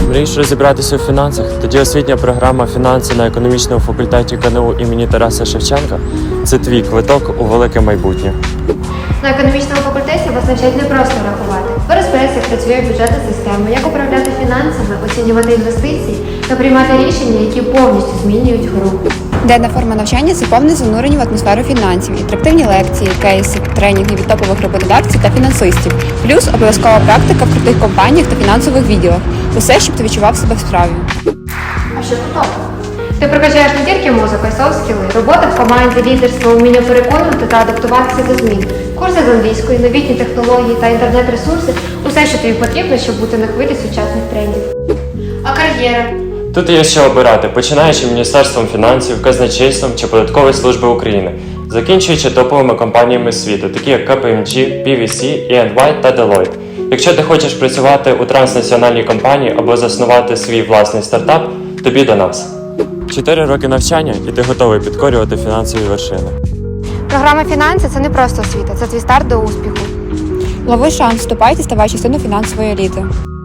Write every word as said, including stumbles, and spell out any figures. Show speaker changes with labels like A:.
A: Мрієш розібратися у фінансах? Тоді освітня програма «Фінанси» на економічному факультеті ка ен у імені Тараса Шевченка – це твій квиток у велике майбутнє.
B: На економічному факультеті вас навчать не просто рахувати. Ви розберетеся, як працює бюджетна система, як управляти фінансами, оцінювати інвестиції та приймати рішення, які повністю змінюють гру.
C: Денна форма навчання – це повне занурення в атмосферу фінансів, інтерактивні лекції, кейси, тренінги від топових роботодавців та фінансистів, плюс обов'язкова практика в крутих компаніях та фінансових відділах. Усе, щоб ти відчував себе в справі.
B: А що тут? Ти прокачаєш не тільки музику, а й софт-скіли, робота в команді, лідерство, вміння переконувати та адаптуватися до змін, курси з англійської, новітні технології та інтернет-ресурси – усе, що тобі потрібно, щоб бути на хвилі сучасних трендів. А кар'єра?
A: Тут є що обирати, починаючи Міністерством фінансів, казначейством чи Податкової служби України, закінчуючи топовими компаніями світу, такі як ка пі ем джі, пі ві сі, і енд вай та Deloitte. Якщо ти хочеш працювати у транснаціональній компанії або заснувати свій власний стартап, тобі до нас. Чотири роки навчання і ти готовий підкорювати фінансові вершини.
B: Програма «Фінанси» – це не просто освіта, це твій старт до успіху.
C: Лови шанс, вступайте, ставай частиною фінансової еліти.